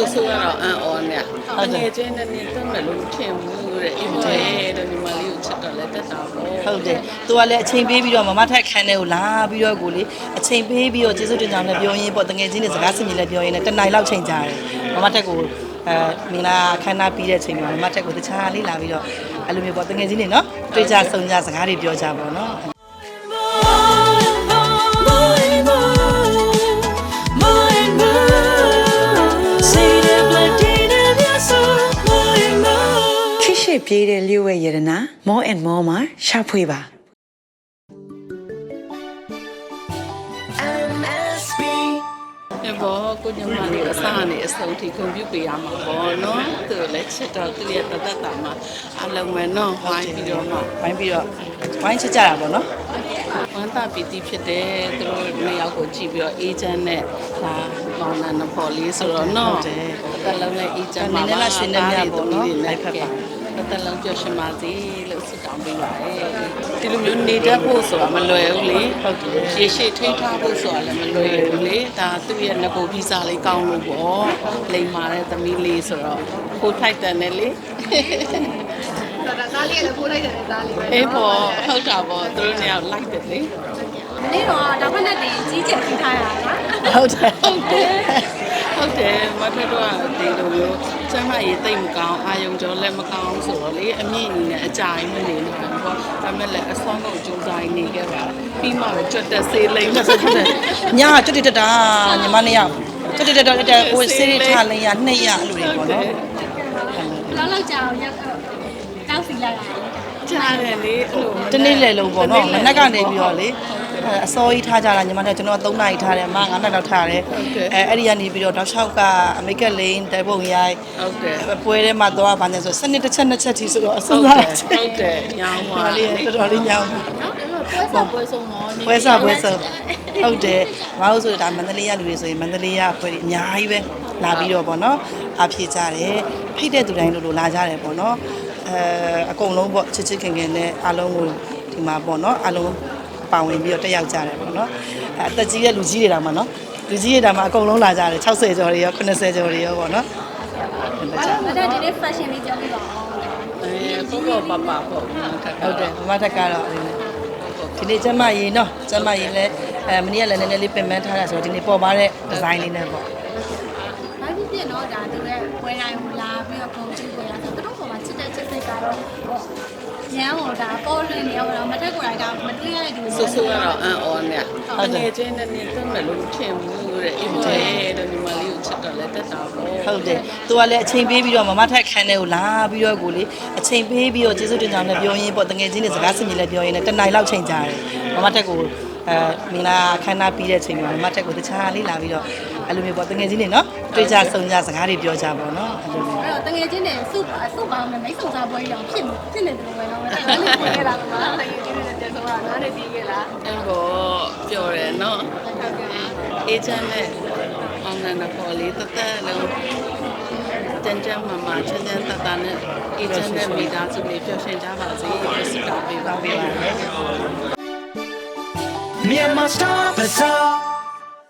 ဆိုဆိုကတော့အန်အော်နဲ့တကယ်ချင်းနဲ့နေတော့မလို့ထင်ဘူးတဲ့အိမ်ထဲတဲ့ဒီမလေးကိုချက်တော့လဲတက်တာပေါ့ဟုတ်တယ်သူကလည်းအချိန်ပေးပြီးတော့မမထက်ခန်းထဲကိုလာပြီးတော့ကိုလေအချိန်ပေးပြီးတော့ကျေးဇူးတင်ကြောင်းလည်းပြောရင်းပေါ့တကယ်ချင်းတွေစကားစမြည်လည်းပြောရင်းနဲ့တနိုင်လောက်ချိန်ကြာတယ်မမထက်ကိုမင်္ဂလာခမ်းနားပြီးတဲ့အချိန်မှာမမထက်ကိုတခြားလေးလာပြီးတော့အဲ့လိုမျိုးပေါ့တကယ်ချင်းတွေနော်တွေ့ကြဆုံကြစကားတွေပြောကြပါတော့ပြေးတဲ့လျှို့ဝဲရတနာ more and more မှာရှာဖွေပါ MSB ဘောကိုညမလေးအစားနဲ့အစုံထိကွန်ပျူတာပေးရမှာပေါ့နော်သူလည်းချစ်တော့သူရဲ့တသက်တာမှာအလုံးမဲ့နော်ဝိုင်းပြီးတော့ဝိုင်းချစ်ကြတာပေါ့နော်ဝမ်းသာပီတိဖြစ်တယ်သူတို့နှစ်ယောက်ကိုကြည့်ပြီးတော့အေဂျင့်နဲ့ဒါကောင်းတဲ့နဖော်လေးဆိုတော့နော်တက်လုံးနဲ့အေဂျင့်မှာနည်းနည်းလားရှင်းနေမြပေါ့နော်လိုက်ဖက်ပါတက်လုံးပြောရှင်ပါစေလို့ဆုတောင်းပေးပါတယ်ဒီလိုမျိုးနေတတ်ဖို့ဆိုတာမလွယ်ဘူးလေဟုတ်တယ်ရေရှည်ထိန်းထားဖို့ဆိုတာလည်းမလွယ်ဘူးလေဒါသူ့ရဲ့ငကိုဗီဇာလေးကောင်းလို့ပေါ့လိမ်မာတဲ့သမီးလေးဆိုတော့ဖိုးထိုက်တယ်လေဒါသားလေးလည်းဖိုးလိုက်တယ်သားလေးအေးပေါ့ဟုတ်တာပေါ့သူတို့နှစ်ယောက်လိုက်တယ်လေနေ့တော့ဒါဖက်နဲ့တင်ကြီးကျယ်ပြီးထားရတာဟုတ်တယ်မထက်တော့ဒီလိုမျိုးကျမရေးတိတ်မကောင်းအာယုံကျော်လည်းမကောင်းဆိုတော့လေအမြင့်အနေနဲ့အကြိုင်မနေလို့ပေါ့ဒါမဲ့လည်းအစွမ်းကုန်ကြိုးစားနေခဲ့ပါပြီးမှတော့ကြွတ်တက်ဆေးလိမ့်လို့ဆိုတယ်ညာကြွတ်တက်တာညီမနှစ်ယောက်ကြွတ်တက်ကိုဆေးရထားလိမ့်ရနှစ်ရအဲ့လိုတွေပေါ့နော်လောက်ကြာအောင်ရောက်တောက်စီလိုက်တာကြားတယ်လေအဲ့လိုတနေ့လေလုံးပေါ့နော်မနက်ကနေပြီးတော့လေအစောကြီးထားကြတာညီမတို့ကျွန်တော်3နာရီထားတယ်အမ9နာရီလောက်ထားတယ်အဲ့ဒီကနေပြီးတော့တောက်လျှောက်ကအမေကလိန်တဲပုံရိုက်ဟုတ်တယ်ပွဲထဲမှာသွားပါနေဆိုစနစ်တစ်ချက်နှစ်ချက်ထိဆိုတော့အစိုးရဟုတ်တယ်ညောင်းပါလေးတော်တော်လေးညောင်းပွဲဆုံးတော့ပွဲဆုံးဟုတ်တယ်မဟုတ်ဆိုဒါမန္တလေးရလူတွေဆိုရင်မန္တလေးရပွဲအများကြီးပဲလာပြီးတော့ပေါ့နော်အဖြေကြတယ်ဖိတ်တဲ့သူတိုင်းလို့လာကြတယ်ပေါ့နော်အကုန်လုံးပေါ့ချစ်ချစ်ခင်ခင်နဲ့အားလုံးကိုဒီမှာပေါ့နော်အားလုံးပါဝင်ပြီးတော့တက်ရောက်ကြတယ်ပေါ့နော်အသက်ကြီးတဲ့လူကြီးတွေတောင်မှနော်လူကြီးတွေတောင်မှအကုန်လုံးလာကြတယ်60ကျော်တွေရော80ကျော်တွေရောပေါ့နော်မဒါဒီနေ့ fashion လေးကြောင်းပြပါအောင်ပေါ့ပေါ့ပေါ့ဟုတ်တယ်မမတက်ကတော့ဒီနေ့ကျမရေးနော်ကျမရေးလဲမနေ့ကလည်းနည်းနည်းလေးပင်ပန်းထားတာဆိုတော့ဒီနေ့ပေါ်ပါတဲ့ဒီဇိုင်းလေးနဲ့ပေါ့ဘာဖြစ်ဖြစ်နော်ဒါသူရဲ့ပွဲတိုင်းကိုလာပြီးတော့ပုံကြည့်ပွဲရဆိုတော့ပေါ်မှာချစ်တဲ့ချစ်စိတ်ကတော့ညံဟိုဒါပေါ်လွင်နေတော့မထက်ကိုယ်တိုင်ကမတွေ့ရတဲ့ဒီဆိုဆိုကတော့အန်အော်နဲ့တကယ်ချင်းနဲ့နေတော့မလို့ထင်ဘူးတဲ့အိမ်ထဲတဲ့ဒီမလေးကိုချက်တော့လဲတက်တာပေါ့ဟုတ်တယ်သူကလည်းအချိန်ပေးပြီးတော့မမထက်ခန်းထဲကိုလာပြီးတော့ကိုလေအချိန်ပေးပြီးတော့ကျေးဇူးတင်ကြောင်းလည်းပြောရင်းပေါ့တကယ်ချင်းတွေစကားစမြည်လည်းပြောရင်းနဲ့တနိုင်လောက်ချိန်ကြာတယ်မမထက်ကိုမင်္ဂလာခမ်းနားပြီးတဲ့အချိန်မှာမမထက်ကိုတခြားလေးလာပြီးတော့အဲ့လိုမျိုးပေါ့တကယ်ချင်းတွေနော်တွေ့ကြဆုံကြစကားတွေပြောကြပါတော့အဲ့လိုမျိုးအဲ့တော့တကယ်ချင်းတွေစုပေါင်းနဲ့မိတ်ဆုံစားပွဲကြီးအောင်ဖြစ်နေတယ်ပဲနော်အဲ့ဒါလေးပြေးခဲ့တာကတကယ်ချင်းတွေတက်ဆိုတာနားနေပြီးခဲ့လားအဲ့တော့ပြောတယ်နော်အေဂျင့်နဲ့အောင်နန္ဒပေါ်လေးတက်လုံးတန်ကြမ်းမှာချမ်းချမ်းသာသာနဲ့အေဂျင့်နဲ့မိသားစုလေးပျော်ရွှင်ကြပါစေဆုတောင်းပေးပါမယ် Myanmar Star Bazaar